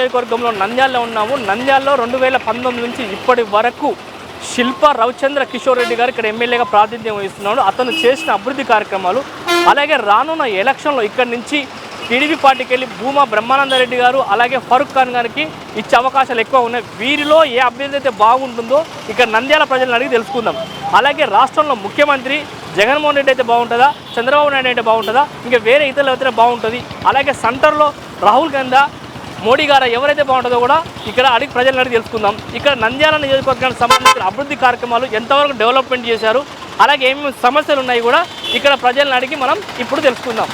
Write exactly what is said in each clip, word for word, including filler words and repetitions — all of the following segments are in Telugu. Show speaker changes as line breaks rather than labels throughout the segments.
నియోజకవర్గంలో నంద్యాలలో ఉన్నాము. నంద్యాలలో రెండు వేల పంతొమ్మిది నుంచి ఇప్పటి వరకు శిల్ప రవిచంద్ర కిషోర్ రెడ్డి గారు ఇక్కడ ఎమ్మెల్యేగా ప్రాతినిధ్యం వహిస్తున్నాడు. అతను చేసిన అభివృద్ధి కార్యక్రమాలు, అలాగే రానున్న ఎలక్షన్లో ఇక్కడి నుంచి టీడీపీ పార్టీకి వెళ్ళి భూమా బ్రహ్మానందరెడ్డి గారు అలాగే ఫరూక్ ఖాన్ గారికి ఇచ్చే అవకాశాలు ఎక్కువ ఉన్నాయి. వీరిలో ఏ అభ్యర్థి అయితే బాగుంటుందో ఇక్కడ నంద్యాల ప్రజలను అడిగి తెలుసుకుందాం. అలాగే రాష్ట్రంలో ముఖ్యమంత్రి జగన్మోహన్ రెడ్డి అయితే బాగుంటుందా, చంద్రబాబు నాయుడు అయితే బాగుంటుందా, ఇంకా వేరే ఇతరులు అయితే బాగుంటుంది, అలాగే సెంటర్లో రాహుల్ గాంధీ మోడీ గారు ఎవరైతే బాగుంటుందో కూడా ఇక్కడ అడిగి ప్రజలను అడిగి తెలుసుకుందాం. ఇక్కడ నంద్యాల నియోజకవర్గానికి సంబంధించిన అభివృద్ధి కార్యక్రమాలు ఎంతవరకు డెవలప్మెంట్ చేశారు, అలాగే ఏమేమి సమస్యలు ఉన్నాయి కూడా ఇక్కడ ప్రజలను అడిగి మనం ఇప్పుడు తెలుసుకుందాం.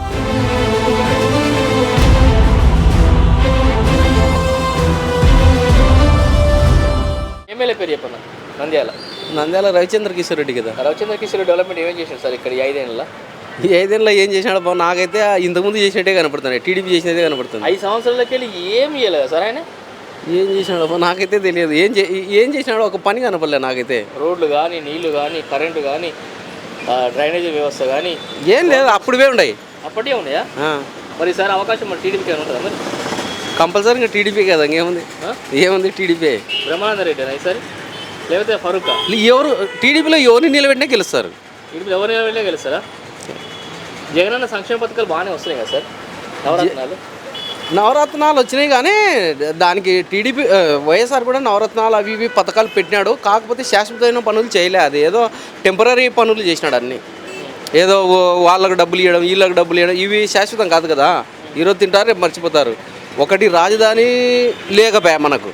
ఎమ్మెల్యే పేరు చెప్పండి. నంద్యాల
నంద్యాల రవిచంద్ర కిషోర్ రెడ్డి కదా.
రవిచంద్ర కిషోర్ రెడ్డి డెవలప్మెంట్ ఏమేం చేశారు సార్ ఇక్కడ ఈ ఐదేళ్ళలో?
ఈ ఐదేళ్ళలో ఏం చేసినాడు బాబు? నాకైతే ఇంతకుముందు చేసినట్టే కనపడుతున్నాయి, టీడీపీ చేసినట్టే కనపడుతుంది.
ఐదు సంవత్సరాలకి వెళ్ళి ఏం చేయలేదు సార్ ఆయన.
ఏం చేసినాడు బాబు నాకైతే తెలియదు. ఏం ఏం చేసినాడు ఒక పని కనపడలేదు నాకైతే.
రోడ్లు కానీ, నీళ్లు కానీ, కరెంటు కానీ, డ్రైనేజీ వ్యవస్థ కానీ
ఏం లేదు. అప్పుడువే ఉన్నాయి,
అప్పటికే ఉన్నాయా? మరి ఈసారి అవకాశం మరి టీడీపీకి ఏమైనా ఉంటుందా? మరి
కంపల్సరీగా టీడీపీ కదా, ఇంకేముంది ఏముంది టీడీపీ.
బ్రహ్మానంద రెడ్డి ఈసారి లేకపోతే ఫరూక్?
ఎవరు టీడీపీలో ఎవరిని నిలబెట్టినా గెలుస్తారు.
టీడీపీలో ఎవరు నిలబెట్టినా గెలుస్తారా? జగనన్న సంక్షేమ పథకాలు బాగానే వస్తున్నాయి కదా సార్. నవరత్నాలు
నవరత్నాలు వచ్చినాయి కానీ దానికి టీడీపీ వైఎస్ఆర్ కూడా నవరత్నాలు అవి ఇవి పథకాలు పెట్టినాడు. కాకపోతే శాశ్వతమైన పనులు చేయలే, అది ఏదో టెంపరీ పనులు చేసినాడు అన్నీ. ఏదో వాళ్ళకు డబ్బులు ఇవ్వడం, వీళ్ళకి డబ్బులు ఇవ్వడం, ఇవి శాశ్వతం కాదు కదా. ఈరోజు తింటారు, రేపు మర్చిపోతారు. ఒకటి రాజధాని లేకపోయా మనకు,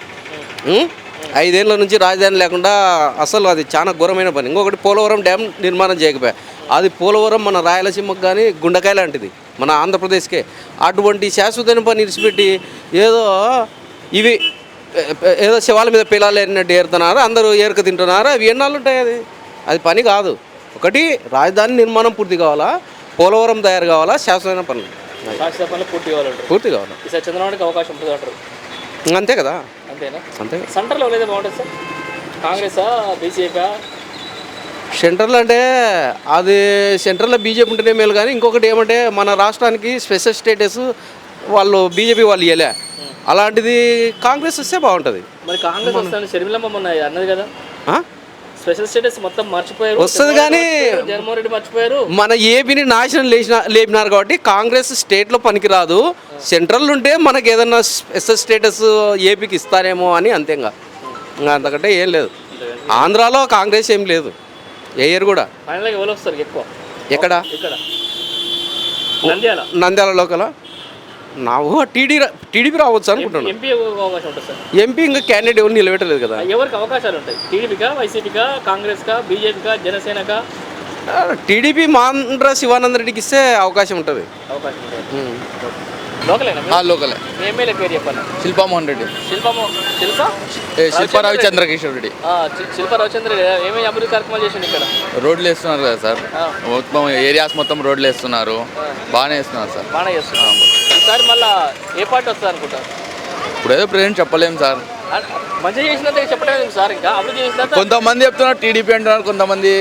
ఐదేళ్ళ నుంచి రాజధాని లేకుండా అసలు అది చాలా ఘోరమైన పని. ఇంకొకటి పోలవరం డ్యామ్ నిర్మాణం చేయకపోయా, అది పోలవరం మన రాయలసీమకు కానీ గుండెకాయ లాంటిది మన ఆంధ్రప్రదేశ్కే. అటువంటి శాశ్వతమైన పని ఇడిచిపెట్టి ఏదో ఇవి ఏదో శివాల మీద పిల్లలు ఏరినట్టు ఏరుతున్నారు, అందరూ ఏరుక తింటున్నారు. అవి ఎన్నాళ్ళు ఉంటాయి? అది అది పని కాదు. ఒకటి రాజధాని నిర్మాణం పూర్తి కావాలా, పోలవరం తయారు కావాలా, శాశ్వతమైన పనులు
పూర్తి కావాలంటారు.
పూర్తి కావాలి.
ఈసారి చంద్రబాబుకి అవకాశం ఉంటుంది అంటారు.
అంతే కదా.
అంతేనా?
అంతే.
సెంటర్లో ఏదైతే బాగుంటుంది సార్? కాంగ్రెసా, బీజేపీ?
సెంటర్లో అంటే అది సెంటర్లో బీజేపీ ఉంటేనే మేలు. కానీ ఇంకొకటి ఏమంటే మన రాష్ట్రానికి స్పెషల్ స్టేటస్ వాళ్ళు బీజేపీ వాళ్ళు ఇవ్వలే, అలాంటిది కాంగ్రెస్ వస్తే బాగుంటుంది.
మరి కాంగ్రెస్ వస్తాను షర్మిలమ్మ మొన్న అన్నది కదా, స్పెషల్ స్టేటస్ మొత్తం మర్చిపోయారు
వస్తుంది. కానీ
జగన్మోహన్ రెడ్డి మర్చిపోయారు.
మన ఏపీని నాశనం లేచిన లేపినారు కాబట్టి కాంగ్రెస్ స్టేట్లో పనికిరాదు. సెంట్రల్ ఉంటే మనకి ఏదన్నా స్పెషల్ స్టేటస్ ఏపీకి ఇస్తారేమో అని, అంతేగా. ఇంకా అంతకంటే ఏం లేదు. ఆంధ్రాలో కాంగ్రెస్ ఏం లేదు, ఏయర్ కూడా.
ఫైనల్గా ఎవరు వస్తారు ఎక్కువ?
ఎక్కడ?
ఇక్కడ నంద్యాల.
నంద్యాల లోకల నా టీడీ టీడీపీ రావచ్చు అనుకుంటున్నాను.
ఎంపీ అవకాశం ఉంటుంది సార్.
ఎంపీ ఇంకా క్యాండిడేట్ ఎవరు నిలబెట్టలేదు కదా.
ఎవరికి అవకాశాలు ఉంటాయి? టీడీపీకా, వైసీపీకా, కాంగ్రెస్కా, బీజేపీకా, జనసేనకా?
టీడీపీ మాండ్ర శివానంద రెడ్డికి ఇస్తే అవకాశం ఉంటుంది.
అవకాశం ఉంటుంది. లోకలేనా?
లోకలే.
ఎమ్మెల్యే పేరు చెప్పండి.
శిల్పామోహన్ రెడ్డి.
శిల్పమో శిల్ప
శిల్ప రవిచంద్ర కిషోర్ రెడ్డి.
శిల్ప రవిచంద్ర రెడ్డి ఏమేమి అభివృద్ధి కార్యక్రమాలు చేసిండు ఇక్కడ?
రోడ్లు వేస్తున్నారు కదా సార్, మొత్తం ఏరియాస్ మొత్తం రోడ్లు వేస్తున్నారు, బాగానే వేస్తున్నారు సార్.
బాగానే చేస్తున్నారు. ఈసారి మళ్ళీ ఏ పార్టీ వస్తుంది అనుకుంటారు?
ఇప్పుడు ఏదో ప్రెజెంట్ చెప్పలేము సార్.
మంచిగా చేసినంత చెప్పలేదు సార్. ఇంకా అభివృద్ధి చేసినంత
కొంతమంది చెప్తున్నారు టీడీపీ అంటున్నారు, కొంతమంది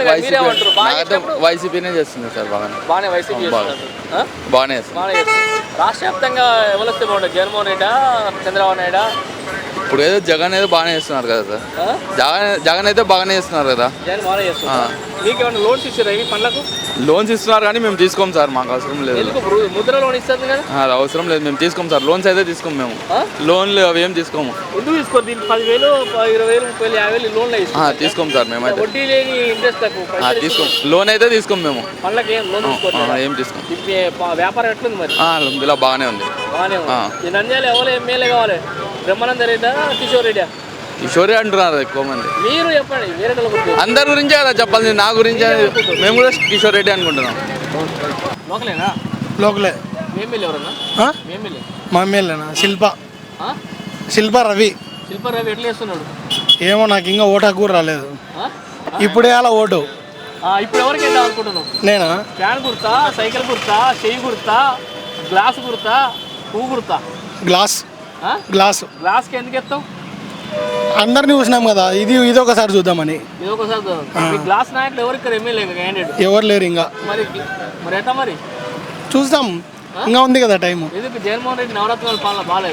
వైసీపీ
వైసీపీనే చేస్తుంది సార్. బాగానే
బాగానే వైసీపీ
బాగానే చేస్తుంది.
రాష్ట్ర వ్యాప్తంగా ఎవరు వస్తే బాగుంటుంది? జగన్మోహన్ రెడ్డా, చంద్రబాబు నాయుడా?
ఇప్పుడు ఏదో జగన్ ఏదో బాగానే చేస్తున్నారు కదా సార్. జగన్ జగన్ అయితే బాగానే చేస్తున్నారు కదా.
జగన్ బాగానే చేస్తున్నారు. మీకు ఏమైనా లోన్స్ ఇచ్చారా ఈ పనులకు?
లోన్స్ ఇస్తున్నారు కానీ మేము తీసుకోం సార్, మాకు అవసరం లేదు.
ముద్ర లోన్ ఇస్తుంది కదా.
అవసరం లేదు, మేము తీసుకోం సార్. లోన్స్ అయితే తీసుకోము మేము, లోన్లు అవి ఏం తీసుకోము.
ఎందుకు తీసుకోరు? దీనికి పదివేలు, ఇరవై వేలు, ముప్పై వేలు, యాభై వేలు లోన్లు
తీసుకోం సార్ మేమైతే.
వడ్డీ లేని ఇంట్రెస్ట్
తీసుకోం, లోన్ అయితే తీసుకోం మేము.
పనులకు ఏం లోన్
ఏం తీసుకోం.
వ్యాపారం ఎట్లుంది మరి?
ఇలా బాగానే ఉంది.
బాగానే ఉంది. నంద్యాల ఎవరు ఎమ్మెల్యే కావాలి? బ్రహ్మానంద రెడ్డా, కిషోర్ రెడ్డా?
కిషోరే అంటున్నారు ఎక్కువ మంది.
మీరు చెప్పండి, వేరే
అందరి గురించే కదా చెప్పాలి, నా గురించి. మేము కూడా కిషోర్ రెడ్డి అనుకుంటున్నాం.
లోకలేనా?
లోకలే.
ఎమ్మెల్యే ఎవరన్నా? ఎమ్మెల్యే
మా ఎమ్మెల్యేనా? శిల్ప శిల్ప రవి.
శిల్ప రవి ఎట్లా చేస్తున్నాడు
ఏమో, నాకు ఇంకా ఓటాకు కూడా రాలేదు. ఇప్పుడే అలా ఓటు.
ఇప్పుడు ఎవరికి వెళ్దాం అనుకుంటున్నావు?
నేనా?
ఫ్యాన్ గుర్తా, సైకిల్ గుర్తా, చెయ్యి గుర్తా, గ్లాస్ గుర్తా, పువ్వు గుర్తా?
గ్లాస్. గ్లాస్.
గ్లాస్కి ఎందుకు ఎత్తావు?
అందరినీ చూసినాం కదా, ఇది ఇది ఒకసారి చూద్దామని.
ఇది ఒకసారి గ్లాస్ నాయకులు ఎవరు ఇక్కడ ఎమ్మెల్యే క్యాండిడేట్?
ఎవరు లేరు ఇంకా.
మరి మరి ఎట్లా మరి?
చూద్దాం, ఇంకా ఉంది కదా టైం.
ఎందుకు జగన్మోహన్ రెడ్డి నవరత్నాల పాలన బాగాలేదా?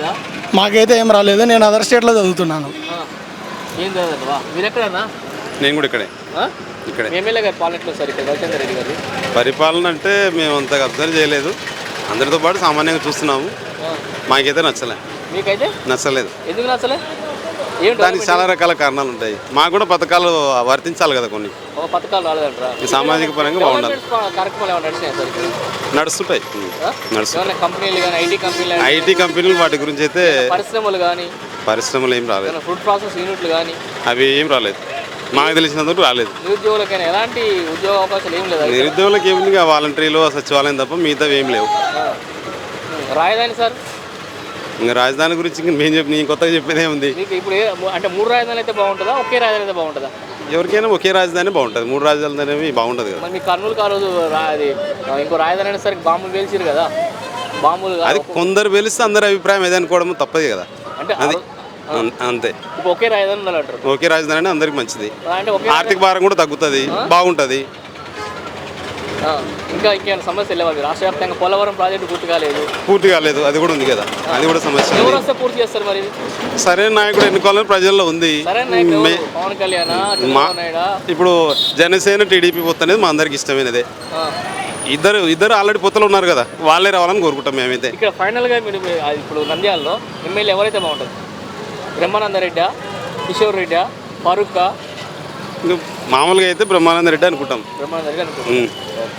మాకైతే ఏం రాలేదు. నేను అదర్ స్టేట్లో చదువుతున్నాను.
ఏం చదవా మీరు ఎక్కడన్నా?
నేను కూడా ఇక్కడే ఇక్కడే
ఎమ్మెల్యే గారు పాలన ఎట్లా సార్ ఇక్కడ రవిచంద్ర రెడ్డి గారు
పరిపాలన అంటే మేము అంతగా అబ్జర్వ్ చేయలేదు. అందరితో పాటు సామాన్యంగా చూస్తున్నాము. మాకైతే నచ్చలే.
మీకైతే
నచ్చలేదు.
ఎందుకు నచ్చలే? ఏం
దానికి చాలా రకాల కారణాలు ఉంటాయి. మాకు కూడా పథకాలు వర్తించాలి కదా కొన్ని.
ఒక పథకాలు రాలేదంటారా?
ఈ సామాజిక పరంగా బాగుండాలి.
కార్యక్రమాలు ఏమైనా నడిచినాయి సార్ ఇక్కడ?
నడుస్తుంటాయి నడుస్తుంటాయి
ఏమైనా కంపెనీలు కానీ ఐటీ కంపెనీలు
ఐటీ కంపెనీలు వాటి గురించి అయితే
పరిశ్రమలు కానీ
పరిశ్రమలు ఏం రాలేదు.
ఫుడ్ ప్రాసెస్ యూనిట్లు కానీ
అవి ఏం రాలేదు. మాకు తెలిసినందుకు రాలేదు.
నిరుద్యోగులకైనా ఎలాంటి ఉద్యోగ అవకాశాలు ఏం లేదా?
నిరుద్యోగులకు ఏమి వాలంటీర్లు సచివాలయం తప్ప మిగతా ఏం లేవు.
రాజధాని సార్
ఇంకా రాజధాని గురించి ఇంక మేము చెప్పి నేను కొత్తగా చెప్పేదే ఉంది.
మీకు ఇప్పుడు ఏ- అంటే మూడు రాజధానులు అయితే బాగుంటుందా, ఒకే రాజధాని అయితే బాగుంటుందా?
ఎవరికైనా ఒకే రాజధాని బాగుంటుంది. మూడు రాజధానులు అనేవి బాగుంటుంది కదా.
మరి మీ కర్నూలు ఆ రోజు రా- అది ఇంకో రాజధాని అనేసరికి బాంబులు పేల్చారు కదా, బాంబులు కాదు.
అది కొందరు వెలిస్తే అందరి అభిప్రాయం ఏదనుకోవడం తప్పదు కదా.
అంటే
అది అం- అంతే.
ఇప్పుడు ఒకే రాజధాని ఉండాలంటారు.
ఒకే రాజధాని అంటే అందరికి మంచిది.
అంటే ఒకే
ఆర్థిక భారం కూడా తగ్గుతుంది, బాగుంటుంది.
ఆ, ఇంకా ఇంకేమైనా సమస్యలు లేవా? మీరు రాష్ట్ర వ్యాప్తంగా పోలవరం ప్రాజెక్టు పూర్తి కాలేదు,
పూర్తి కాలేదు, అది కూడా ఉంది కదా. అది కూడా సమస్య.
ఎవరు వస్తే పూర్తి చేస్తారు మరి?
సరైన నాయకుడు ఎన్నుకోవాలని ప్రజల్లో ఉంది.
సరైన నాయకుడు ఎవరు?
మే-
పవన్ కళ్యాణ్,
మా
చంద్రబాబు నాయుడా?
ఇప్పుడు జనసేన టీడీపీ పొత్తు అనేది మా అందరికి ఇష్టమైనదే.
ఆ.
ఇద్దరు ఇద్దరు ఆల్రెడీ పొత్తులు ఉన్నారు కదా, వాళ్ళే రావాలని కోరుకుంటాం మేమైతే.
ఇక్కడ ఫైనల్గా మీరు మీ- అది ఇప్పుడు నంద్యాలలో ఎమ్మెల్యే ఎవరైతే బాగుంటుంది? బ్రహ్మానంద రెడ్డా, కిషోర్ రెడ్డా, ఫారూక్?
ఇంకా మామూలుగా అయితే బ్రహ్మానంద రెడ్డి అనుకుంటాం.
బ్రహ్మానంద రెడ్డి అనుకుంటున్నాను.
ఉమ్.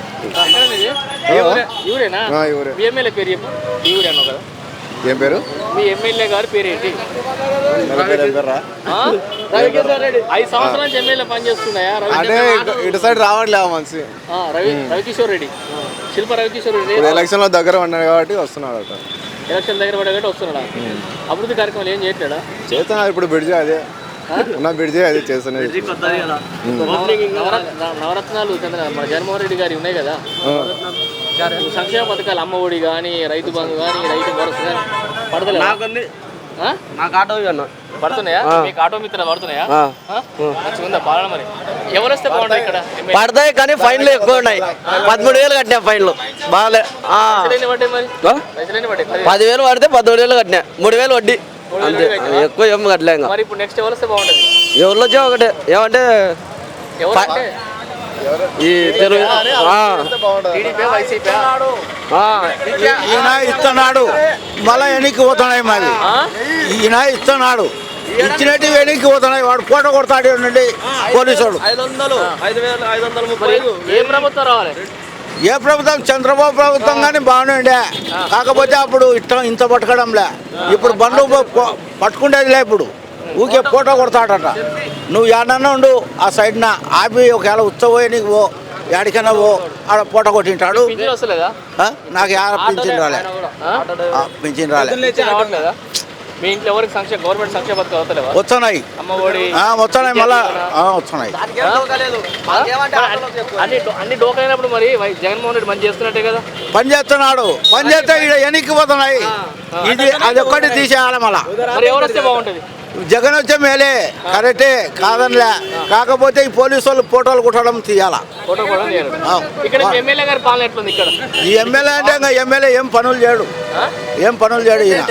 ఇవురేనా? మీ ఎమ్మెల్యే పేరు చెప్పు. ఈ ఊరే అన్నావు కదా.
ఏం పేరు?
మీ ఎమ్మెల్యే గారి పేరు ఏంటి? ఆ? ఐదు సంవత్సరాల నుంచి ఎమ్మెల్యే పనిచేస్తున్నాయా? రవి
అంటే ఇటు- ఇటు సైడ్ రావట్లే మనిషి.
ఆ, రవి రవికిషోర్ రెడ్డి, శిల్ప రవికిషోర్ రెడ్డి
ఇప్పుడు ఎలక్షన్ లో దగ్గర ఉన్నాడు కాబట్టి వస్తున్నాడు అట.
ఎలక్షన్ దగ్గర పడగట్టి వస్తున్నాడా? అభివృద్ధి కార్యక్రమాలు ఏం చేయట్లేడా?
చేస్తున్నారు ఇప్పుడు బ్రిడ్జి అదే ఉన్న బ్రిడ్జి అదే చేస్తున్నది.
నవరత్న నవరత్నాలు చంద్ర మన జగన్మోహన్ రెడ్డి గారి ఉన్నాయి కదా, సంక్షేమ పథకాలు అమ్మ ఒడి కానీ, రైతు బంధు కానీ, రైతు భరోసా కానీ పడతలేదు.
నాకు ఆటో అన్న
పడుతున్నాయా? మీకు ఆటో మిత్ర పడుతున్నాయా? మంచిగా ఉందా పాలన? మరి ఎవరు వస్తే బాగుంటుంది ఇక్కడ?
పడతాయి కానీ ఫైన్లు ఎక్కువ ఉన్నాయి. పదమూడు వేలు కట్టినా ఫైన్లు బాగాలే.
పైసలు పడ్డాయి మరి, పైసలు ఎన్ని పడ్డాయి?
పదివేలు పడితే పదమూడు వేలు కట్టినా, మూడు వేలు వడ్డీ అంతే, ఎక్కువ ఏం కట్టలే. ఇంకా
మరి ఇప్పుడు నెక్స్ట్ ఎవరు వస్తే బాగుంటుంది?
ఎవరిలో వచ్చా ఒకటే ఏమంటే
ఎవరంటే
ఈ తెలుగు ఆ,
టీడీపీ, వైసీపీ?
ఆ,
ఈయన ఇస్తున్నాడు, మళ్ళీ వెనక్కి పోతున్నాయి. మరి ఈయన ఇస్తున్నాడు, ఇచ్చినట్టు వెనక్కి పోతున్నాయి. వాడు ఫోటో కొడతాడు నుండి పోలీసుడు.
మరి ఏ ప్రభుత్వం రావాలి?
ఏ ప్రభుత్వం? చంద్రబాబు ప్రభుత్వం కానీ బాగానే ఉండే, కాకపోతే అప్పుడు ఇష్టం ఇంత పట్టుకోవడంలే. ఇప్పుడు బండ్లు ప- పట్టుకుండేదిలే. ఇప్పుడు ఊకే ఫోటో కొడతాడట. నువ్వు ఏడన్నా ఉండు ఆ సైడ్న ఆపి ఒకవేళ ఉత్సవం నీకు పో, ఎక్కడికైనా పో, ఆడ ఫోటో కొట్టింటాడు.
పింఛన్ వస్తలేదా?
ఆ? నాకు యాడ పింఛన్ రాలే, ఆ, పింఛన్ రాలే.
పింఛన్ రావట్లేదా? మీ ఇంట్లో ఎవరికి సంక్షేమ గవర్నమెంట్ సంక్షేమ పథకాలు వస్తలేవా?
వస్తున్నాయి,
అమ్మ ఒడి
ఆ, వస్తున్నాయి, మళ్ళా ఆ, వస్తున్నాయి.
అన్ని అన్ని డోకైనప్పుడు మరి వై- జగన్మోహన్ రెడ్డి మంచి చేస్తున్నట్టే కదా.
పని చేస్తున్నాడు, పని చేస్తే ఇక్కడ వెనక్కి పోతున్నాయి. ఇది అది ఒక్కటి తీసేయాలి. మళ్ళా
మరి ఎవరు వస్తే బాగుంటుంది?
జగన్ వచ్చే మేలే, కరెక్టే కాదనిలే. కాకపోతే ఈ పోలీసు వాళ్ళు ఫోటోలు కుట్టడం తీయాలా.
ఫోటో కూడా తీయరు.
ఆ.
ఇక్కడ మీ ఎమ్మెల్యే గారి పాలన ఎట్లుంది ఇక్కడ?
ఈ ఎమ్మెల్యే అంటే ఇంకా ఎమ్మెల్యే ఏం పనులు చేయడు, ఏం పనులు చేయడు ఈయన.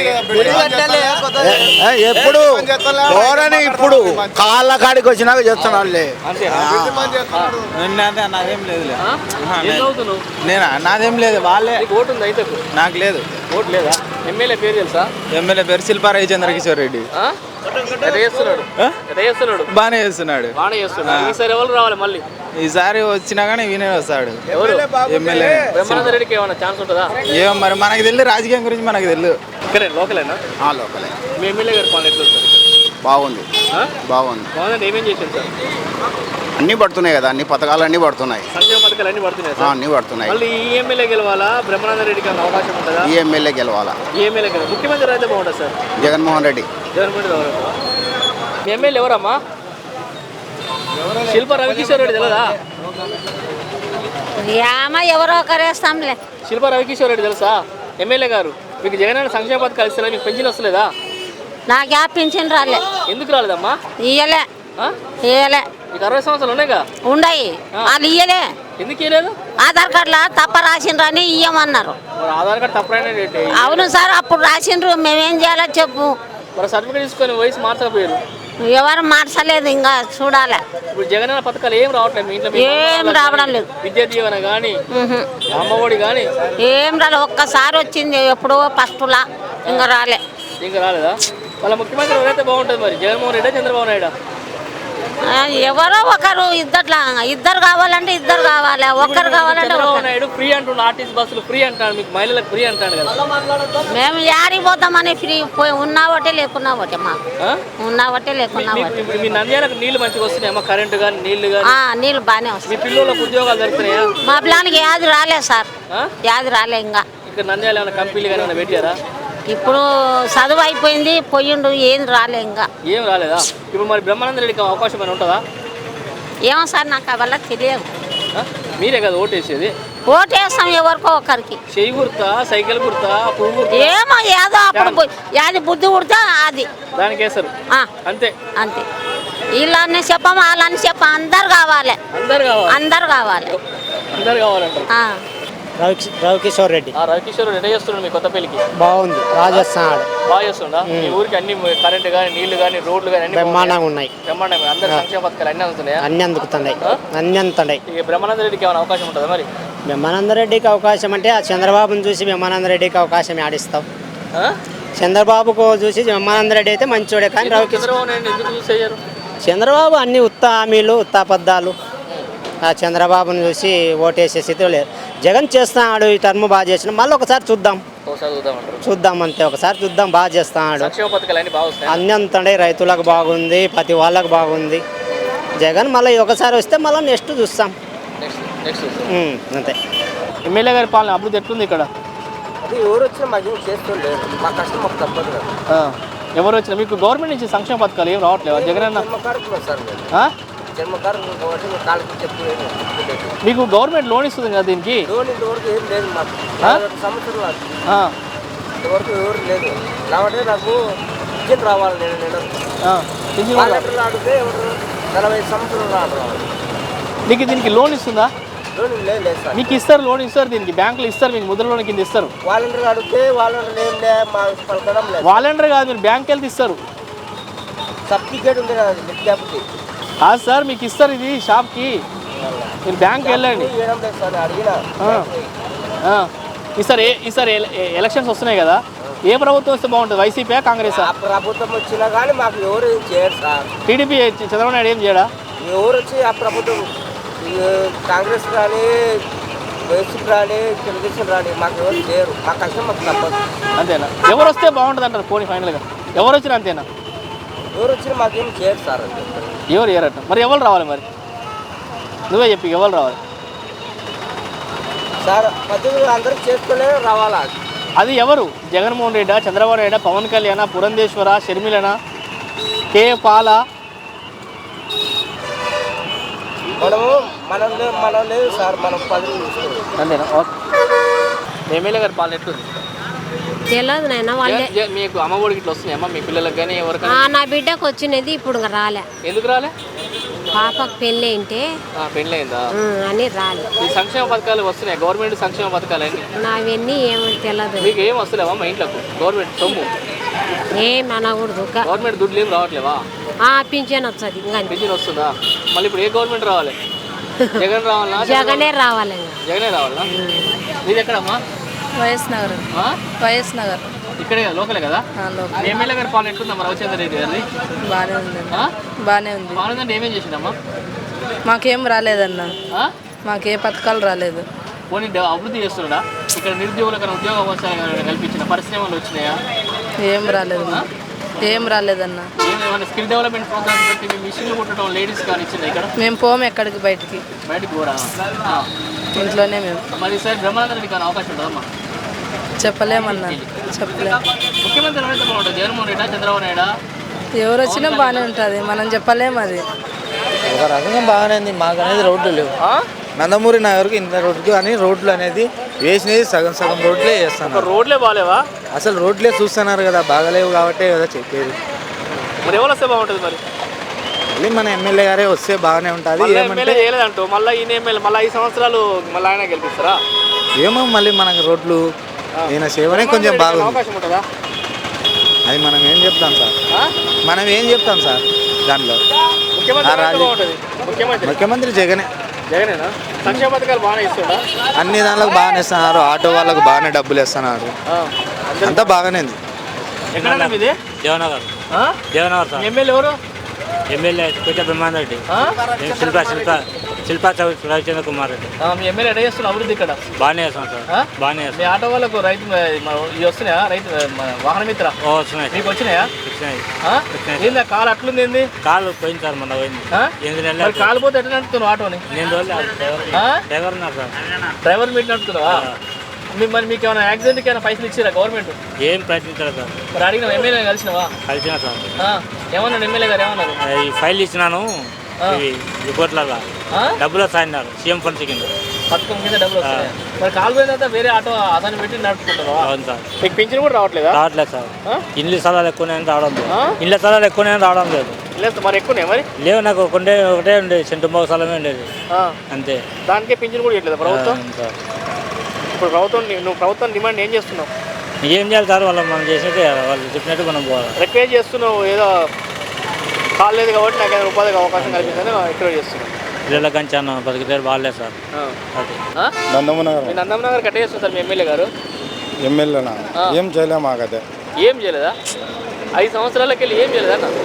ఏ, ఏ, ఎప్పుడు ఎవరని ఇప్పుడు కాళ్ళ కాడికి వచ్చినాక చేస్తున్నాడులే.
అంతేనా?
నాదేం లేదులే.
ఆ? ఏం చదువుతున్నావు?
నేనా? నాదేం లేదు, వాళ్ళే.
నీకు ఓటు ఉందా అయితే?
నాకు లేదు.
ఓటు లేదా? ఎమ్మెల్యే పేరు తెలుసా?
ఎమ్మెల్యే పేరు శిల్పా రవిచంద్ర కిషోర్ రెడ్డి.
ఆ? ఎట్ట చేస్తున్నాడు? ఎట్ట చేస్తున్నాడు?
బాగానే చేస్తున్నాడు.
బాగానే చేస్తున్నాడు. ఈసారి ఎవరు రావాలి మళ్ళీ?
ఈసారి వచ్చినా కానీ వీనే వస్తాడు
ఎవరు?
ఎమ్మెల్యే.
బ్రహ్మానంద రెడ్డికి ఏమైనా ఛాన్స్ ఉంటుందా?
ఏమో మరి మనకు తెలియదు, రాజకీయం గురించి మనకు తెలియదు.
ఇక్కడే లోకలేనా?
లోకలే
మీ ఎమ్మెల్యే గారి పాలన ఎట్లా ఉంటుంది?
బాగుంది,
ఆ?
బాగుంది.
బాగుందంటే ఏమేం చేసింది సార్?
అన్నీ పడుతున్నాయి కదా, అన్ని పథకాలు అన్నీ పడుతున్నాయి.
సంక్షేమ పథకాలు అన్ని పడుతున్నాయి
ఆ,
సార్.
అన్నీ పడుతున్నాయి.
మళ్ళీ ఈ ఎమ్మెల్యే గెలవాలా, బ్రహ్మానంద రెడ్డికి ఏమైనా అవకాశం ఉంటుందా?
ఈ ఎమ్మెల్యే గెలవాలా,
ఈ ఎమ్మెల్యే గెలవాలి. ముఖ్యమంత్రి అయితే బాగుంటుంది సార్.
జగన్మోహన్ రెడ్డి.
జగన్మోహన్ రెడ్డి ఎవరు? మీ ఎమ్మెల్యే ఎవరమ్మా? శిల్ప రవికిషోర్ రెడ్డి తెలుసా?
యామ ఎవరో ఒకరేస్తాంలే.
శిల్ప రవికిషోర్ రెడ్డి తెలుసా? ఎమ్మెల్యే గారు మీకు జగన్ అన్న సంక్షేమ పథకాలు ఇస్తున్నా, మీకు పెన్షన్ వస్తలేదా?
నాకు యా పింఛన్ రాలే.
ఎందుకు రాలేదమ్మా?
ఇయ్యలే,
ఆ?
ఇయ్యలే.
మీకు అరవై సంవత్సరాలు ఉన్నాయిగా,
ఉండయి వాళ్ళు ఇయ్యలే.
ఎందుకు ఇవ్వలేదు?
ఆధార్ కార్డులో తప్ప రాసిండ్రని ఇయ్యమన్నారు.
మరి ఆధార్ కార్డు తప్పైనా ఏంటి?
అవును సార్, అప్పుడు రాసిండ్రు, మేమేం చేయాలో చెప్పు.
మరి సర్టిఫికేట్ తీసుకొని వయసు మార్చకపోయారు.
ఎవరు మార్చలేదు, ఇంకా చూడాలి.
ఇప్పుడు జగన్ అన్న పథకాలు ఏం రావట్లేదు మీ ఇంట్లో? మీ
ఏం రావడం లేదు.
విద్యా దీవెన కానీ
ఉహు.
అమ్మఒడి కానీ
ఏం రాలే. ఒక్కసారి వచ్చింది ఎప్పుడో ఫస్ట్లా, ఇంకా రాలే.
ఇంకా రాలేదా? వాళ్ళ ముఖ్యమంత్రి ఎవరైతే బాగుంటుంది మరి, జగన్మోహన్ రెడ్డి చంద్రబాబు నాయుడు?
ఆ, ఎవరో ఒకరు ఇద్దట్లా, ఇద్దరు కావాలంటే ఇద్దరు కావాలి, ఒక్కరు కావాలంటే
చంద్రబాబు
ఒక్కరు.
నాయుడు ఫ్రీ అంటుండు, ఆర్టీసీ బస్సులు ఫ్రీ అంటాడు, మీకు మహిళలకు ఫ్రీ అంటాడు కదా.
మేము యాడికి పోతామని ఫ్రీ పోయి ఉన్నా ఒకటే లేకున్నా ఒకటే, మాకు
ఆ?
ఉన్నా ఒకటే లేకున్నా
మీకు
ఒకటే.
ఇప్పుడు మీ నంద్యాలకు నీళ్లు మంచిగా వస్తున్నాయమ్మా, కరెంటు కానీ నీళ్లు కానీ?
ఆ, నీళ్ళు బాగానే
మీ
వస్తాయి.
పిల్లలకు ఉద్యోగాలు దొరుకుతున్నాయా?
మా పిల్లానికి యాది రాలే సార్,
ఆ?
యాది రాలే. ఇంకా
ఇక్కడ నంద్యాల ఏమైనా కంపెనీలు కానీ ఏమైనా పెట్టారా?
ఇప్పుడు చదువు అయిపోయింది, పోయిండు, ఏం రాలే ఇంకా.
ఏం రాలేదా? ఇప్పుడు మరి బ్రహ్మానంద రెడ్డికి అవకాశం అని ఉంటుందా?
ఏమో సార్, నాకు అవల్ల తెలియదు.
ఆ? మీరే కదా ఓటేసేది.
ఓటేస్తాం ఎవరికో ఒకరికి.
చెయ్యి గుర్తా, సైకిల్ గుర్తా, పువ్వు గుర్తా?
ఏమో ఏదో అప్పుడు పోయి యాది బుద్ధి కుడితే అది
దానికి వేస్తారు
ఆ,
అంతే.
అంతే. వీళ్ళని చెప్పాము, వాళ్ళని చెప్పాము, అందరు కావాలి,
అందరు కావాలి,
అందరు కావాలి.
అందరు కావాలంటారు.
ఆ.
రవి రవికిషోర్ రెడ్డి
ఆ రవికిషోర్ రెడ్డి చేస్తున్నాడు మీ కొత్త పెళ్లికి?
బాగుంది, రాజస్థాన్ ఆడ
బాగా చేస్తుండా? మీ ఊరికి అన్ని కరెంట్ కానీ నీళ్లు కానీ రోడ్లు కానీ అన్ని
బ్రహ్మాండంగా ఉన్నాయి,
బ్రహ్మాండంగా అందరి సంక్షేమ పథకాలు అన్ని అందుతున్నాయా?
అన్ని అందుకుతున్నాయి, అన్ని అందుతున్నాయి.
ఇక బ్రహ్మానంద రెడ్డికి ఏమైనా అవకాశం ఉంటుందా మరి?
బ్రహ్మానంద రెడ్డికి అవకాశం అంటే ఆ చంద్రబాబును చూసి బ్రహ్మానంద రెడ్డికి అవకాశం ఆడిస్తాం.
ఆ?
చంద్రబాబుకు చూసి బ్రహ్మానంద రెడ్డి అయితే మంచోడే, కానీ
ఎందుకు
రవికిషోర్
చంద్రబాబు నాయుడు ఎందుకు చూస్ అయ్యారు?
చంద్రబాబు అన్ని ఉత్త హామీలు, ఉత్త అబద్ధాలు. ఆ చంద్రబాబును చూసి ఓటేసే స్థితిలో లేదు. జగన్ చేస్తున్నాడు, ఈ టర్మ్ బాగా చేసిన, మళ్ళీ ఒకసారి చూద్దాం,
ఒకసారి చూద్దామంటారు.
చూద్దాం అంతే, ఒకసారి చూద్దాం, బాగా చేస్తున్నాడు.
సంక్షేమ పథకాలు అన్ని బాగా వస్తాయి.
అన్ని అంతండే, రైతులకు బాగుంది, ప్రతి వాళ్ళకు బాగుంది. జగన్ మళ్ళీ ఒకసారి వస్తే మళ్ళీ నెక్స్ట్ చూస్తాం.
నెక్స్ట్ నెక్స్ట్ చూస్తాం.
ఉమ్, అంతే.
ఎమ్మెల్యే గారి పాలన అభివృద్ధి ఎట్లుంది ఇక్కడ?
అది ఎవరు వచ్చినా మాకు చేస్తుండే, మా కష్టం మాకు తప్పదు కదా.
ఆ. ఎవరు వచ్చినా మీకు గవర్నమెంట్ నుంచి సంక్షేమ పథకాలు ఏం రావట్లేవా? జగన్ అన్న
సార్ మేము
ఆ?
జన్మకారం కాబట్టి మేము కాళ్ళకి చెప్పి
మీకు గవర్నమెంట్ లోన్ ఇస్తుంది కదా దీనికి?
లోన్ ఇంతవరకు ఏం లేదు మాకు.
ఆ?
సంవత్సరం నాకు
ఆ.
ఇంతవరకు ఎవరు లేదు. కాబట్టి నాకు విద్యను రావాలి. నేను నేను
ఆ. పింఛన్ కూడా రాదు.
వాలంటీర్లు అడిగితే ఎవరు నలభై సంవత్సరాలు రావాలి.
నీకు దీనికి లోన్ ఇస్తుందా?
లోన్ లేదు లేదు సార్.
మీకు ఇస్తారు, లోన్ ఇస్తారు, దీనికి బ్యాంకులు ఇస్తారు, మీకు ముద్ర లోన్ కింద ఇస్తారు.
వాలంటీర్లు అడిగితే వాలంటీర్లు ఏం లే మా పలకడం లేదు.
వాలంటీర్ కాదు, మీరు బ్యాంక్ వెళ్తే ఇస్తారు.
సర్టిఫికేట్ ఉంది కదా విద్యార్థి
కాదు సార్, మీకు ఇస్తారు ఇది షాప్కి, మీరు బ్యాంక్కి వెళ్ళండి.
ఇవ్వడం లేదు సార్. అడిగినా
ఆ. ఆ. ఈసారి ఏ- ఈసారి ఎల- ఎ- ఎలక్షన్స్ వస్తున్నాయి కదా, ఏ ప్రభుత్వం వస్తే బాగుంటుంది? YCP, Congress?
ఆ ప్రభుత్వం వచ్చినా కానీ మాకు ఎవరు ఏం చేయరు సార్.
టీడీపీ చంద్రబాబు నాయుడు ఏం చేయడా?
ఎవరు వచ్చి ఆ ప్రభుత్వం ఈ కాంగ్రెస్ కానీ వైసీపీ రాని తెలుగుదేశం రాని మాకు ఎవరు చేయరు. మా కష్టం మాకు తప్పదు.
అంతేనా? ఎవరు వస్తే బాగుంటుంది అంటారు పోనీ ఫైనల్గా? ఎవరు వచ్చినా అంతేనా?
ఎవరు వచ్చినా మాకేం చేయరు సార్.
ఎవరు ఏరట? మరి ఎవరు రావాలి మరి? నువ్వే చెప్పి ఎవరు రావాలి
సార్? పద్ధతులు అందరూ చేసుకునే రావాలా?
అది ఎవరు? జగన్మోహన్ రెడ్డా, చంద్రబాబు నాయుడు, పవన్ కళ్యాణ, పురంధేశ్వర, షర్మిలన, కే పాల?
మనము మనం లేదు మనం లేదు సార్. మనం పదవి చూసుకోవాలి.
అంతేనా? ఓకే. ఎమ్మెల్యే గారి పాలన ఎట్లుంది?
తెలియదు నాయన వాళ్ళే.
ఏ- ఏ- మీకు అమ్మ ఒడికి ఇట్లా వస్తున్నాయమ్మా మీ పిల్లలకు కానీ ఎవరికైనా?
ఆ, నా బిడ్డకు వచ్చినది ఇప్పుడు ఇంకా రాలే.
ఎందుకు రాలే?
పాపకు పెళ్ళి ఏంటే
ఆ, పెళ్ళయిందా?
అని రాలే.
ఈ సంక్షేమ పథకాలు వస్తున్నాయి, గవర్నమెంట్ సంక్షేమ పథకాలు అన్ని
నావన్నీ ఏమో తెలియదు.
మీకు ఏం వస్తలేవా మా ఇంట్లోకి? గవర్నమెంట్ సొమ్ము,
ఏం అనకూడదు. క-
గవర్నమెంట్ దుడ్లు ఏం రావట్లేవా?
ఆ, పింఛన్ వచ్చేది ఇంకా అంతే.
పెన్షన్ వస్తుందా? మళ్ళీ ఇప్పుడు ఏ గవర్నమెంట్ రావాలి? జగన్ రావాలా?
జగనే రావాలి ఇంకా.
జగనే రావాలా? మీది ఎక్కడమ్మా?
వైఎస్ నగర్.
ఆ?
వైఎస్ నగర్
ఇక్కడే కదా, లోకలే కదా? మీ ఎమ్మెల్యే గారి పాలన ఎట్లుందమ్మా రవిచంద్ర రెడ్డి గారిది?
బాగానే ఉంది.
ఆ?
బాగానే ఉంది.
పాలన అంటే ఏమేం చేసిందమ్మా?
మాకేం రాలేదన్న.
ఆ?
మాకే పథకాలు రాలేదు.
పోనీ డెవ- అభివృద్ధి చేస్తున్నాడా? ఇక్కడ నిరుద్యోగులకు ఉద్యోగ అవకాశాలు కల్పించిన పరిశ్రమలు వచ్చినాయా?
ఏం రాలేదు. ఏం రాలేదన్న.
ఏమైనా స్కిల్ డెవలప్మెంట్ ప్రోగ్రామ్స్ పెట్టి మీ మిషన్లు కుట్టడం లేడీస్ కానీ ఇచ్చింది ఇక్కడ?
మేము పోము ఎక్కడికి బయటికి,
బయటికి పోరా? ఆ.
ఇంట్లోనే మేము.
మరి ఈసారి బ్రహ్మానంద రెడ్డి కానీ అవకాశం ఉంటుందమ్మా?
చెప్పలేమన్నా, చెప్పలేము.
ముఖ్యమంత్రి ఎవరైతే బాగుంటుంది? జగన్మోహన్ రెడ్డి, చంద్రబాబు నాయుడు?
ఎవరు వచ్చినా బాగానే ఉంటుంది, మనం చెప్పలేము. అది
ఒక రకంగా బాగానే ఉంది. మాకు అనేది రోడ్లు లేవు. నందమూరి నగర్కి ఇంత రోడ్లు అని రోడ్లు అనేది వేసినది సగం సగం రోడ్లే చేస్తున్నారు.
రోడ్లే బాగాలేవా?
అసలు రోడ్లే చూస్తున్నారు కదా, బాగలేవు కాబట్టే కదా చెప్పేది.
మరి ఎవరు వస్తే బాగుంటుంది మరి?
మళ్ళీ మన ఎమ్మెల్యే గారే వస్తే బాగానే ఉంటుంది.
మళ్ళీ
ఏమంటే
ఎమ్మెల్యే చేయలేదంటూ మళ్ళీ ఈయన ఎమ్మెల్యే మళ్ళీ ఐదు సంవత్సరాలు మళ్ళీ ఆయన గెలిపిస్తారా?
ఏమో మళ్ళీ మనకి రోడ్లు ఈయన సేవనే కొంచెం బాగుంది.
అవకాశం ఉంటుందా?
అది మనం ఏం చెప్తాం సార్,
ఆ?
మనం ఏం చెప్తాం సార్ దాంట్లో.
ముఖ్యమంత్రి
ఆ
ఎవరైతే
రాజు-
బాగుంటుంది? ముఖ్యమంత్రి
ముఖ్యమంత్రి జగనే.
జగనేనా? సంక్షేమ పథకాలు బాగానే ఇస్తుందా?
అన్ని దానిలకు బాగానే ఇస్తున్నారు, ఆటో వాళ్ళకు బాగానే డబ్బులు ఇస్తున్నారు,
ఆ. అందరూ-
అంతా బాగానే ఉంది.
ఎక్కడ మీది?
దేవనగర్
ఆ?
దేవనగర్ సార్.
ఎమ్మెల్యే ఎవరు?
ఎమ్మెల్యే కోట బ్రహ్మాండ రెడ్డి.
ఆ?
శిల్ప శిల్ప శిల్పా చౌ- రవిచంద్ర కుమార్ రెడ్డి.
ఆ, మీ ఎమ్మెల్యే ఎక్కడ చేస్తున్న అభివృద్ధి ఇక్కడ?
బాగానే చేస్తాం సార్,
ఆ?
బాగానే
మీ
చేస్తాం.
ఆటో వాళ్ళకు రైతు ఇవి వస్తున్నాయా? రైతు మన వాహన మిత్ర
ఓ వస్తున్నాయి
మీకు వచ్చినాయా?
వచ్చినాయి
ఆ?
వచ్చినాయి.
ఏందా కాలు అట్లుంది ఏంది?
కాలు పోయింది సార్, మొన్న పోయింది.
ఆ?
ఎనిమిది
మరి
నెలలు
కాలు పోతే ఎట్లా నడుపుతున్నావు ఆటోని?
నేను రోజులు డ్రైవర్
ఆ?
డ్రైవర్ ఉన్నారు సార్.
డ్రైవర్ మీట్ నడుపుతున్నావా? మీ- మరి మీకు ఏమైనా యాక్సిడెంట్కి ఏమైనా పైసలు ఇచ్చారా గవర్నమెంట్?
ఏం ప్రయత్నించారు సార్,
మరి అడిగిన ఎమ్మెల్యే కలిసినావా?
కలిసిన సార్.
ఆ? ఏమన్నాడు ఎమ్మెల్యే గారు ఏమన్నారు?
ఈ ఫైల్ ఇచ్చినాను,
ఆ.
ఇవి రిపోర్ట్లలో
ఆ?
డబ్బులు వస్తాయన్నారు సీఎం ఫండ్స్ కింద.
పథకం కింద డబ్బులు వస్తాయి. మరి కాలు పోయిన తర్వాత వేరే ఆటో అతను పెట్టి నడుపుకుంటారా?
అవును సార్.
మీకు పింఛన్ కూడా రావట్లేదా?
రావట్లేదు సార్.
ఆ?
ఇండ్ల స్థలాలు ఎక్కువనే రావడం లేదు.
ఆ?
ఇండ్ల స్థలాలు ఎక్కువనే రావడం లేదు.
లేదు మరి ఎక్కువనే మరి
లేవు, నాకు ఒకటే ఒకటే ఉండేది, సెంటు స్థలమే ఉండేది
ఆ.
అంతే.
దానికే పింఛన్ కూడా ఇవ్వట్లేదు ప్రభుత్వం.
అవును సార్.
ఇప్పుడు ప్రభుత్వం ని- నువ్వు ప్రభుత్వం డిమాండ్ ఏం చేస్తున్నావు?
ఏం చేయాలి సార్, వాళ్ళు మనం చేసినట్టు వాళ్ళు చెప్పినట్టు మనం పోవాలి.
రిక్వెస్ట్ చేస్తున్నావు ఏదో కాలేదు కాబట్టి నాకు ఏదైనా ఉపాధికి అవకాశం కల్పించని రిక్వెస్ట్ చేస్తున్నావు.
పిల్లల కంచాను బతికితే బాగాలేదు సార్.
ఆ.
అది
ఆ?
నందమనగర్
మీ నందమ్మ గారు కట్ట చేస్తున్నారు సార్ మీ ఎమ్మెల్యే గారు.
ఎమ్మెల్యేనా
ఆ.
ఏం చేయలే మాకైతే.
ఏం చేయలేదా? ఐదు సంవత్సరాలకి వెళ్ళి ఏం చేయలేదా అన్న?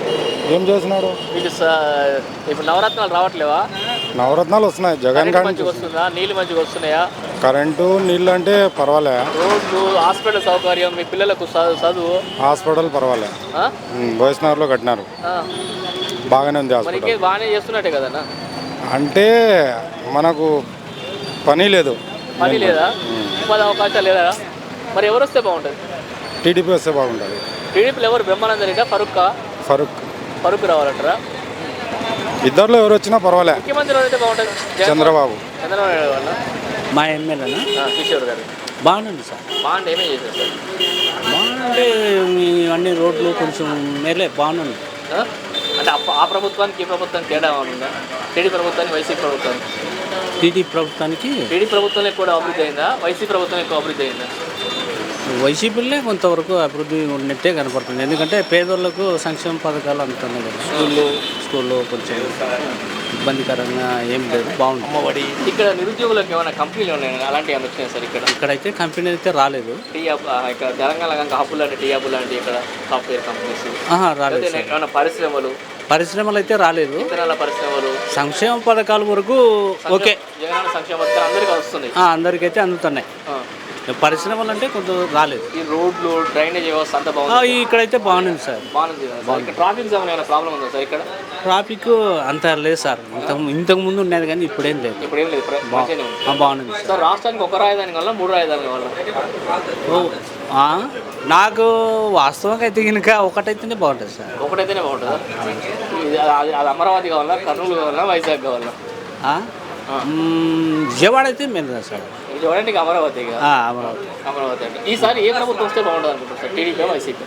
ఏం చేసినాడు?
మీకు స- ఇప్పుడు నవరత్నాలు రావట్లేవా?
నవరత్నాలు వస్తున్నాయి జగన్
కరెంట్
కానీ.
మంచిగా వస్తుందా? నీళ్ళు మంచిగా వస్తున్నాయా?
కరెంటు నీళ్ళు అంటే పర్వాలే,
రోడ్లు హాస్పిటల్ సౌకర్యం మీ పిల్లలకు చ- చదువు
హాస్పిటల్ పర్వాలే.
ఆ?
వైష్ణవర్లో కట్టినారు,
ఆ.
బాగానే ఉంది
మరి
హాస్పిటల్.
ఇంకే బాగానే చేస్తున్నట్టే కదన్నా.
అంటే మనకు పని లేదు,
పని లేదా? ఉపాధి అవకాశాలు లేదా? మరి ఎవరు వస్తే బాగుంటుంది?
టీడీపీ వస్తే బాగుంటుంది.
టీడీపీలో ఎవరు? బ్రహ్మానంద రెడ్డి, ఫరూక్
ఫరూక్
ఫరూక్ రావాలంటారా?
ఇద్దరిలో ఎవరు వచ్చినా పర్వాలే.
ముఖ్యమంత్రి ఎవరైతే బాగుంటుంది? జగన్
చంద్రబాబు.
చంద్రబాబు నాయుడు వాళ్ళ
మా ఎమ్మెల్యేనా
ఆ, కిషోర్ గారు
బాగుంది సార్.
బాగుంటే ఏమేం చేశారు సార్?
బాగుంటే అన్ని రోడ్లు కొంచెం మేలే బాగుంది.
ఆ? అంటే ఆ- ఆ ప్రభుత్వానికి ఈ ప్రభుత్వానికి తేడా ఏమైనా ఉందా? టీడీ ప్రభుత్వానికి వైసీపీ ప్రభుత్వానికి
టీడీ ప్రభుత్వానికి
టీడీ ప్రభుత్వం ఎక్కువ అభివృద్ధి అయిందా? వైసీపీ ప్రభుత్వం ఎక్కువ అభివృద్ధి అయిందా?
వైసీపీలే కొంతవరకు అభివృద్ధి ఉన్నట్టే కనపడుతుంది. ఎందుకంటే పేదోళ్ళకు సంక్షేమ పథకాలు అందుతున్నాయి కదా, స్కూల్లో స్కూల్లో కొంచెం ఇబ్బందికరంగా ఏం లేదు, బాగుంది.
అమ్మఒడి. ఇక్కడ నిరుద్యోగులకు ఏమైనా కంపెనీలు ఉన్నాయి అలాంటివి ఏమైనా వచ్చినాయి సార్? ఇక్కడ
ఇక్కడైతే కంపెనీ అయితే రాలేదు.
టీ హబ్ ఆ, ఇక్కడ తెలంగాణ కనుక హబ్బులు అంటే టీ హబ్బులు అంటే ఇక్కడ సాఫ్ట్వేర్ కంపెనీస్
ఆహా, రాలేదు
లేకపోతే
సార్.
ఏమైనా పరిశ్రమలు,
పరిశ్రమలు అయితే రాలేదు.
ఇతరాల పరిశ్రమలు,
సంక్షేమ పథకాల వరకు ఓకే,
జగనన్న సంక్షేమ పథకాలు అందరికీ వస్తున్నాయి.
ఆ, అందరికైతే అందుతున్నాయి.
ఆ.
పరిశ్రమలు అంటే కొంత రాలేదు.
ఈ రోడ్లు డ్రైనేజ్ వ్యవస్థ అంతా
ఆ,
బాగుంది.
ఇక్కడైతే బాగుంది సార్.
బాగుంది కదా సార్? ఇక్కడ ట్రాఫిక్ జామ్ ఏమైనా ప్రాబ్లం ఉందా సార్ ఇక్కడ?
ట్రాఫిక్ అంత లేదు సార్, ఇంత ఇంతకు ముందు ఉండేది కానీ ఇప్పుడేం లేదు.
ఇప్పుడు ఏం లేదు, ప్ర- మంచిగానే ఉంది.
ఆ, బాగుంది సార్.
సార్ రాష్ట్రానికి ఒక రాజధాని వల్ల మూడు రాజధాని వల్ల
ఓ, ఆ, నాకు వాస్తవంగా అయితే కనుక ఒకటైతేనే బాగుంటుంది సార్.
ఒకటైతేనే బాగుంటుందా? ఇది అది అది అమరావతి కావాలా, కర్నూలు కావాలా, వైజాగ్ కావాలా?
ఆ? మ్మ్, విజయవాడ అయితే మేలు కదా సార్.
ఇది చూడండి అమరావతి ఇక.
ఆ, అమరావతి
అమరావతి అంటే ఈసారి ఏ ప్రభుత్వం వస్తే బాగుంటుంది అనుకుంటారు సార్? TDP YCP?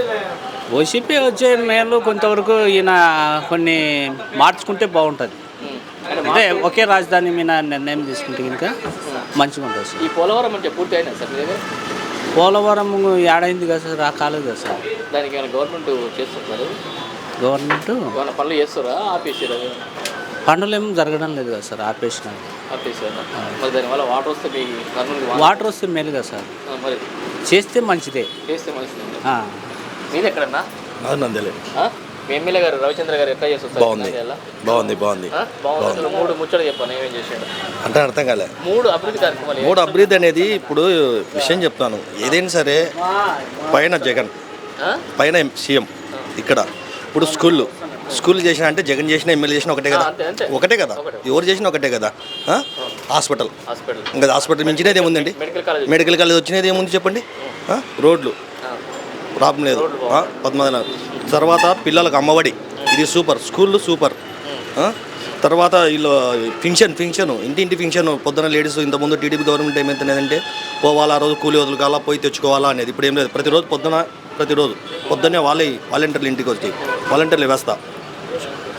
వైసీపీ వచ్చే మేలు కొంతవరకు ఈయన కొన్ని మార్చుకుంటే బాగుంటుంది.
ఉం. అంటే
అంటే ఒకే రాజధాని మీద నిర్ణయం తీసుకుంటే కనుక మంచిగా ఉంటుంది సార్.
ఈ పోలవరం అంటే పూర్తి అయినా సార్ మీ దగ్గర?
పోలవరం ఏడైంది కదా సార్, ఆ కాలేదు కదా సార్.
దానికి ఏమైనా గవర్నమెంట్ చేస్తుంటారు?
గవర్నమెంట్
ఏమైనా పనులు చేస్తారా? ఆపేసారా?
పనులు ఏం జరగడం లేదు కదా సార్, ఆపేసినారు.
ఆపేసారా? మరి దానివల్ల వాటర్ వస్తే మీ కర్నూలు
వాటర్ వస్తే మేలు కదా సార్,
మరి
చేస్తే మంచిదే.
చేస్తే మంచిది.
ఆ.
మీది ఎక్కడన్నా?
నందలే.
ఆ? మీ ఎమ్మెల్యే గారు రవిచంద్ర గారు ఎట్లా చేస్తారు?
బాగుంది బాగుంది బాగుంది
బాగుంది. అసలు మూడు ముచ్చట చెప్పాను ఏమేం చేశాడు?
అంటే అర్థం కాలే.
మూడు అభివృద్ధి కార్యక్రమాలు.
మూడు అభివృద్ధి అనేది ఇప్పుడు విషయం చెప్తాను. ఏదైనా సరే పైన జగన్,
ఆ?
పైన సీఎం, ఇక్కడ ఇప్పుడు స్కూళ్ళు స్కూల్ చేసిన అంటే జగన్ చేసిన ఎమ్మెల్యే చేసిన ఒకటే కదా,
అంతే, అంతే.
ఒకటే కదా, ఎవరు చేసిన ఒకటే కదా. ఆ? హాస్పిటల్
హాస్పిటల్
ఇంకా హాస్పిటల్ మించినది ఏముందండి?
మెడికల్ కాలేజ్
మెడికల్ కాలేజ్ వచ్చినది ఏముంది చెప్పండి? ఆ? రోడ్లు ప్రాబ్లం లేదు. పద్మనాభ తర్వాత పిల్లలకు అమ్మఒడి, ఇది సూపర్. స్కూళ్ళు సూపర్. ఆ? తర్వాత వీళ్ళు ఫింక్షన్ ఫింక్షన్ ఇంటింటి ఫింక్షన్ పొద్దున లేడీస్ ఇంతకుముందు టీడీపీ గవర్నమెంట్ ఏమైతుందంటే పోవాలా, ఆ రోజు కూలి వదులుకోవాలా, పోయి తెచ్చుకోవాలా అనేది. ఇప్పుడు ఏం లేదు, ప్రతిరోజు పొద్దున ప్రతిరోజు పొద్దున్నే వాళ్ళే వాలంటీర్లు ఇంటికి వచ్చి వాలంటీర్లు వ్యవస్థ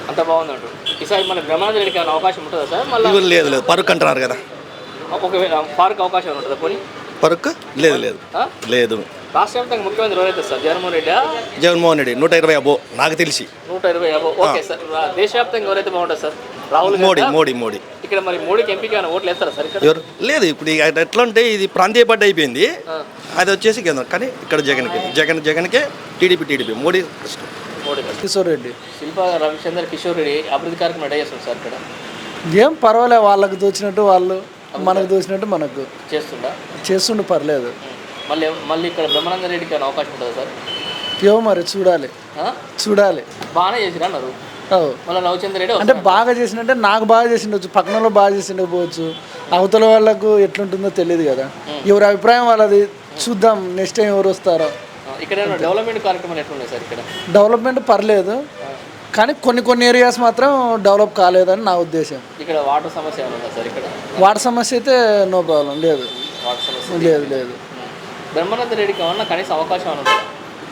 అంత బాగుందంటు ఈసారి మన బ్రహ్మానంద రెడ్డికి ఏమైనా అవకాశం ఉంటుందా సార్ మళ్ళీ
ఇవ్వరు లేదు లేదు పరుక్ అంటున్నారు కదా
ఒకవేళ ఫారుక్ అవకాశం ఏమైనా ఉంటుందా పోనీ
పరుక్ లేదు లేదు
ఆ?
లేదు
రాష్ట్ర వ్యాప్తంగా ముఖ్యమంత్రి ఎవరైతే సార్ జగన్మోహన్ రెడ్డి
జగన్మోహన్ రెడ్డి నూట ఇరవై అబ్బో నాకు తెలిసి
నూట ఇరవై యాభై ఓకే సార్ రా- దేశవ్యాప్తంగా ఎవరైతే బాగుంటుంది సార్ రాహుల్
మోడీ
గాంధీ
మోడీ మోడీ
ఇక్కడ మరి మోడీకి ఎంపీకి ఏమైనా ఓట్లు వేస్తారా సార్ ఇక్కడ
ఎవరు లేదు ఇప్పుడు ఇక ఎట్లా అంటే ఇది ప్రాంతీయ పార్టీ అయిపోయింది అది వచ్చేసి కేంద్రం కానీ ఇక్కడ జగన్కి జగన్ జగన్కే టీడీపీ టీడీపీ మోడీ కష్టం
మోడీ
కిషోర్ రెడ్డి
శిల్ప రవిచంద్ర కిషోర్ రెడ్డి అభివృద్ధి కార్యక్రమం రెడీ చేస్తుంది సార్ ఇక్కడ
ఏం పర్వాలేదు, వాళ్ళకి దోచినట్టు వాళ్ళు, మనకు దోచినట్టు మనకు
చేస్తుందా
చేస్తుండే పర్లేదు.
మళ్ళీ మళ్ళీ ఇక్కడ బ్రహ్మానంద రెడ్డికి ఏమైనా అవకాశం ఉంటుందా సార్
ఏమో మరి చూడాలి
ఆ?
చూడాలి.
బాగానే చేసిరా అన్నారు
అవు.
మళ్ళీ రవిచంద్ర రెడ్డి
అంటే బాగా చేసినట్టే నాకు బాగా చేసిండొచ్చు, పక్కన వాళ్ళు బాగా చేసిండకపోవచ్చు, అవతల వాళ్ళకు ఎట్లుంటుందో తెలియదు కదా. ఎవరి అభిప్రాయం వాళ్ళది, చూద్దాం నెక్స్ట్ టైం ఎవరు వస్తారో.
ఇక్కడ ఏమైనా డెవలప్మెంట్ కార్యక్రమాలు ఎట్లున్నాయి సార్ ఇక్కడ
డెవలప్మెంట్ పర్లేదు కానీ కొన్ని కొన్ని ఏరియాస్ మాత్రం డెవలప్ కాలేదని నా ఉద్దేశం.
ఇక్కడ వాటర్ సమస్య ఏమైనా ఉందా సార్ ఇక్కడ
వాటర్ సమస్య అయితే నో ప్రాబ్లం లేదు.
వాటర్ సమస్య
లేదు లేదు
బ్రహ్మానంద రెడ్డికి ఏమన్నా కనీసం అవకాశం ఏమైనా ఉందా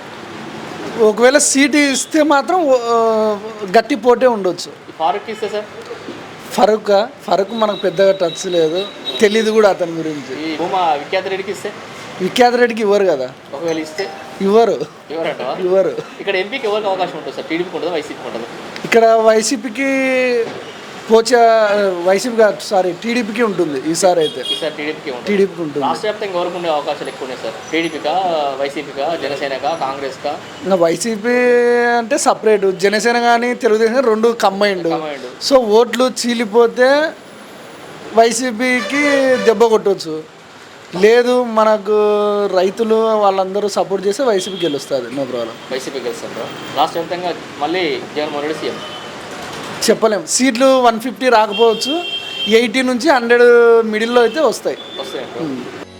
ఒకవేళ సీట్ ఇస్తే మాత్రం ఆ, గట్టి పోటే ఉండొచ్చు.
ఈ ఫారూక్ ఇస్తే సార్
ఫరూక్ ఫరూక్ మనకు పెద్దగా టచ్ లేదు, తెలీదు కూడా అతని గురించి.
ఈ భూమా విఖ్యాత రెడ్డికి ఇస్తే
విఖ్యాత రెడ్డికి ఇవ్వరు కదా,
ఒకవేళ ఇస్తే
ఇవ్వరు
ఎవరంట
ఇవ్వరు.
ఇక్కడ ఎంపీకి ఎవరికి అవకాశం ఉంటుంది సార్ టీడీపీకి ఉంటుందా వైసీపీకి ఉంటుంది
ఇక్కడ వైసీపీకి పోచా వైసీపీ కాదు సారీ టీడీపీకి ఉంటుంది ఈసారి అయితే.
ఈసారి టీడీపీకి ఉంటుంది
టీడీపీకి ఉంటుంది.
రాష్ట్ర వ్యాప్తంగా ఎవరికి ఉండే అవకాశాలు ఎక్కువ ఉన్నాయి సార్ టీడీపీకా వైసీపీకా జనసేనకా కాంగ్రెస్కా
ఇంకా వైసీపీ అంటే సపరేట్, జనసేన కానీ తెలుగుదేశం రెండు కంబైండ్.
Combined.
సో ఓట్లు చీలిపోతే వైసీపీకి దెబ్బ కొట్టవచ్చు, లేదు మనకు రైతులు వాళ్ళందరూ సపోర్ట్ చేస్తే వైసీపీ గెలుస్తుంది, నో ప్రాబ్లం.
వైసీపీ గెలుస్తారు రాష్ట్ర వ్యాప్తంగా మళ్ళీ జగన్మోహన్ రెడ్డి సీఎం
చెప్పలేం, సీట్లు వన్ ఫిఫ్టీ రాకపోవచ్చు, ఎయిటీ నుంచి హండ్రెడ్ మిడిల్లో అయితే వస్తాయి.
వస్తాయండి